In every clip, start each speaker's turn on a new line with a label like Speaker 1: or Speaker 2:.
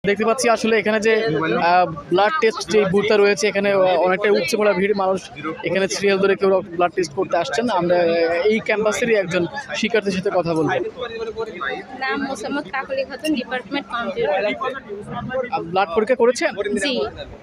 Speaker 1: দেখতে পাচ্ছি আসলে এখানে যে ব্লাড টেস্ট যে বুথটা রয়েছে এখানে অনেকটাই উপচে পড়া ভিড় মানুষ এখানে সিরিয়াল ধরে কেউ ব্লাড টেস্ট করতে আসছেন। আমরা এই ক্যাম্পাসেরই একজন শিক্ষার্থীর সাথে কথা বলবো।
Speaker 2: নাম Mosammat Kakoli Khatun, department computer.
Speaker 1: Blood পরীক্ষা করেছেন?
Speaker 2: জি,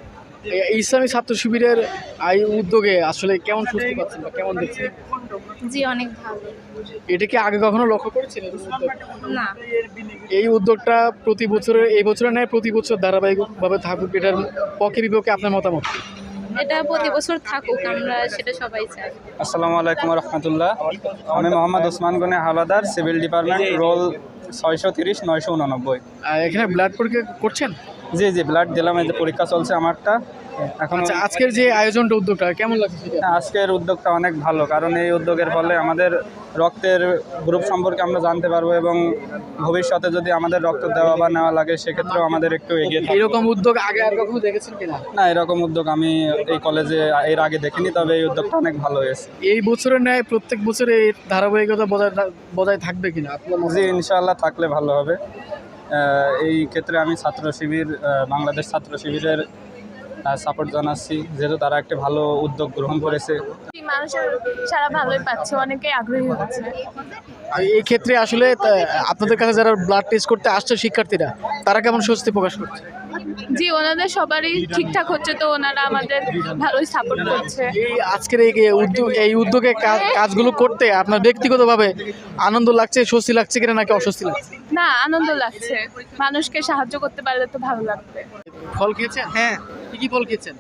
Speaker 1: ইসলামী ছাত্র শিবিরের এই উদ্যোগে আসলে কেমন সুস্থ পাচ্ছেন বা কেমন দেখছেন?
Speaker 2: জি অনেক ভালো।
Speaker 1: এটা কি আগে কখনো লক্ষ্য করেছিলেন উদ্যোগ?
Speaker 2: না,
Speaker 1: এই উদ্যোগটা প্রতি বছরের এই বছরের ন্যায় প্রতি বছর ধারাবাহিকভাবে থাকুক, এটার পক্ষে বিপক্ষে আপনার মতামত?
Speaker 2: এটা প্রতি বছর থাকুক, আমরা সেটা সবাই চাই।
Speaker 3: আসসালামু আলাইকুম রহমতুল্লাহ। আমি Mohammad Osman Gani Howladar, civil department, roll 630 989।
Speaker 1: এখানে ব্লাড পরীক্ষা করছেন?
Speaker 3: জি জি, ব্লাড দিলাম, এই যে পরীক্ষা চলছে আমারটা এখন।
Speaker 1: আচ্ছা, আজকের যে আয়োজনটা উদ্যোগটা কেমন লাগছে সেটা?
Speaker 3: আজকের উদ্যোগটা অনেক ভালো, কারণ এই উদ্যোগের ফলে আমাদের রক্তের গ্রুপ সম্পর্কে আমরা জানতে পারবো এবং ভবিষ্যতে যদি আমাদের রক্ত দেওয়া বা নেওয়া লাগে সেক্ষেত্রেও আমাদের একটু এগিয়ে থাকতে।
Speaker 1: এরকম উদ্যোগ আগে আর কখনো দেখেছেন কিনা?
Speaker 3: না, এরকম উদ্যোগ আমি এই কলেজে এর আগে দেখিনি, তবে এই উদ্যোগটা অনেক ভালো হয়েছে।
Speaker 1: এই বছরের ন্যায় প্রত্যেক বছরে এই ধারাবাহিকতা বজায় থাকবে কিনা আপনার মতে?
Speaker 3: জি, ইনশাআল্লাহ থাকলে ভালো হবে। এই ক্ষেত্রে আমি ছাত্র শিবির, বাংলাদেশ ছাত্র শিবিরের সাপোর্ট জানাচ্ছি, যেহেতু তারা একটা ভালো উদ্যোগ গ্রহণ করেছে।
Speaker 2: মানুষের সারা ভালোই পাচ্ছে, অনেকেই আগ্রহী হচ্ছে।
Speaker 1: এই ক্ষেত্রে আসলে আপনাদের কাছে যারা ব্লাড টেস্ট করতে আসছে শিক্ষার্থীরা, তারা কেমন স্বস্তি প্রকাশ করছে?
Speaker 2: জি, ওনাদের সবারই ঠিকঠাক হচ্ছে, তো ওনারা আমাদের ভালোই সাপোর্ট করছে।
Speaker 1: এই আজকের এই উদ্যোগে কাজগুলো করতে আপনার ব্যক্তিগতভাবে আনন্দ লাগছে, স্বস্তি লাগছে কিনা নাকি অস্বস্তি লাগছে?
Speaker 2: না, আনন্দ লাগছে, মানুষকে সাহায্য করতে পারলে তো ভালো লাগবে।
Speaker 1: ফল খেয়েছেন?
Speaker 4: হ্যাঁ,
Speaker 1: কি ফল খেয়েছেন?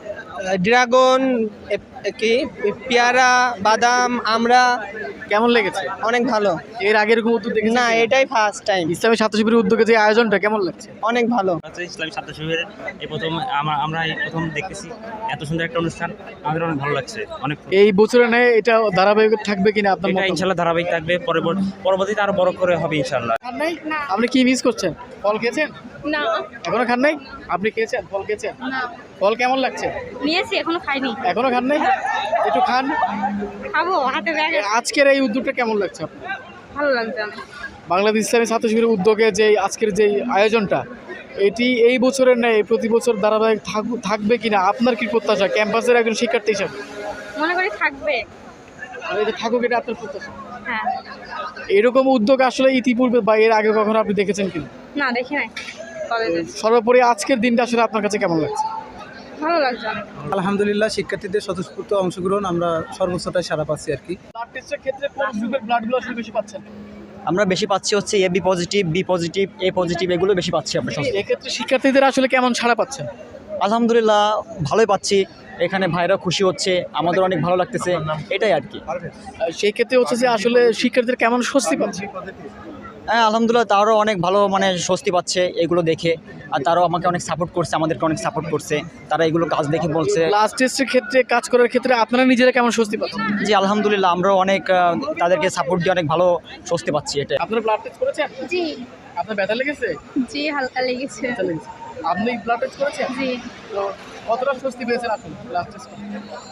Speaker 4: ড্রাগন, কি পেয়ারা, বাদাম, আমরা।
Speaker 1: কেমন লেগেছে?
Speaker 4: অনেক ভালো।
Speaker 1: এর আগের কোনো উদ্যোগ দেখেছেন?
Speaker 4: না, এটাই ফার্স্ট টাইম।
Speaker 1: ইসলামী ছাত্র শিবিরের উদ্যোগে যে আয়োজনটা কেমন লাগছে?
Speaker 4: অনেক ভালো।
Speaker 5: ইসলামী ছাত্র শিবিরের এই প্রথম আমরা এই প্রথম দেখতেছি এত সুন্দর একটা অনুষ্ঠান, আমাদের অনেক ভালো লাগছে। অনেক
Speaker 1: এই বছরে নেয় এটা ধারাবাহিক থাকবে কিনা আপনার
Speaker 5: এটা
Speaker 1: মতামত?
Speaker 5: ইনশাল্লাহ ধারাবাহিক থাকবে, পরবর্তীতে আরো বড় করে হবে ইনশাল্লাহ।
Speaker 1: খান নাই? আপনি কি মিস করছেন? ফল খেয়েছেন?
Speaker 2: না,
Speaker 1: এখনো খান নাই? আপনি খেয়েছেন? ফল খেয়েছেন?
Speaker 2: না,
Speaker 1: ফল কেমন লাগছে?
Speaker 2: নিয়েছি, এখনো খাইনি।
Speaker 1: এখনো খান নাই? একটু খান।
Speaker 2: খাবো, হাতে ব্যাগে।
Speaker 1: আজকের এই উদ্যোগটা কেমন লাগছে আপনার?
Speaker 2: ভালো লাগছে অনেক।
Speaker 1: বাংলাদেশ ইসলামী ছাত্র শিবিরের উদ্যোগে যে আজকের যে আয়োজনটা, এটি এই বছরের নেই প্রতি বছর ধারাবাহিক থাকবে কিনা আপনার কি প্রত্যাশা ক্যাম্পাসের একজন শিক্ষার্থী হিসাবে?
Speaker 2: মনে করি থাকবে।
Speaker 1: আর এটা থাকুক, এটা আপনার প্রত্যাশা?
Speaker 2: হ্যাঁ।
Speaker 1: এরকম উদ্যোগ আসলে ইতিপূর্বে বা এর আগে কখনো আপনি দেখেছেন কিনা?
Speaker 2: না, দেখি নাই কলেজে।
Speaker 1: সর্বোপরি আজকের দিনটা আসলে আপনার কাছে কেমন লাগছে?
Speaker 2: ভালো লাগছে অনেক।
Speaker 6: আলহামদুলিল্লাহ, শিক্ষার্থীদের স্বতঃস্ফূর্ত অংশগ্রহণ আমরা সর্বোচ্চটাই সারা পাচ্ছি আর কি।
Speaker 1: ব্লাড টেস্টের ক্ষেত্রে কোন গ্রুপের ব্লাডগুলো আসলে বেশি পাচ্ছেন?
Speaker 7: আমরা বেশি পাচ্ছি হচ্ছে AB positive, B positive, A positive, এগুলো বেশি পাচ্ছি আমরা সব।
Speaker 1: এক্ষেত্রে শিক্ষার্থীদের আসলে কেমন ছাড়া পাচ্ছেন?
Speaker 7: আলহামদুলিল্লাহ ভালোই পাচ্ছি, এখানে ভাইরা খুশি হচ্ছে, আমাদের অনেক ভালো লাগতেছে, এটাই আর কি।
Speaker 1: সেই ক্ষেত্রে হচ্ছে যে আসলে শিক্ষার্থীদের কেমন স্বস্তি পাচ্ছে?
Speaker 7: হ্যাঁ আলহামদুলিল্লাহ, তারাও অনেক ভালো মানে স্বস্তি পাচ্ছে এগুলো দেখে, আর তারাও আমাকে অনেক সাপোর্ট করছে, আমাদেরকে অনেক সাপোর্ট করছে, তারা এগুলো কাজ দেখে বলছে।
Speaker 1: ব্লাড টেস্টের ক্ষেত্রে কাজ করার ক্ষেত্রে আপনারা নিজেরা কেমন স্বস্তি পাচ্ছেন?
Speaker 7: জি আলহামদুলিল্লাহ, আমরাও অনেক তাদেরকে সাপোর্ট দিয়ে অনেক ভালো স্বস্তি পাচ্ছি, এটাই।
Speaker 1: আপনারা ব্লাড টেস্ট করেছেন?
Speaker 2: জি,
Speaker 1: আপনার ব্যথা লেগেছে?
Speaker 2: জি হালকা লেগেছে।
Speaker 1: ব্যথা লেগেছে। আপনি ব্লাড টেস্ট করেছেন?
Speaker 2: জি,
Speaker 1: তো কতটা স্বস্তি পেয়েছেন আসলে ব্লাড টেস্ট করে?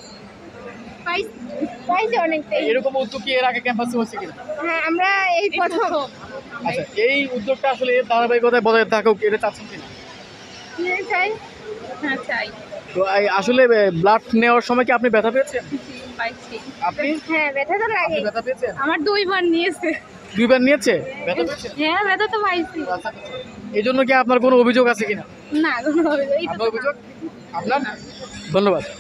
Speaker 2: পাইছে অনেকটাই।
Speaker 1: এরকম উদ্যোগ কি এর আগে ক্যাম্পাসে হচ্ছে কিনা?
Speaker 2: হ্যাঁ, আমরা এই প্রথম।
Speaker 1: আচ্ছা, এই উদ্যোগটা আসলে এর ধারাবাহিকতায় বজায় থাকুক, এটা চাচ্ছেন কিনা?
Speaker 2: চাই। হ্যাঁ, চাই।
Speaker 1: তো আসলে ব্লাড নেওয়ার সময় কি আপনি ব্যথা পেয়েছেন?
Speaker 2: জি, পাইছি।
Speaker 1: আপনি
Speaker 2: হ্যাঁ, ব্যথা তো লাগে।
Speaker 1: ব্যথা পেয়েছেন?
Speaker 2: আমার 2 বার নিয়েছে।
Speaker 1: 2 বার নিয়েছে? ব্যথা পেয়েছেন?
Speaker 2: হ্যাঁ, ব্যথা তো পাইছি।
Speaker 1: আচ্ছা, এই জন্য কি আপনার কোনো অভিযোগ আছে কিনা?
Speaker 2: না, কোনো অভিযোগ।
Speaker 1: আপনার অভিযোগ? আপনার? ধন্যবাদ।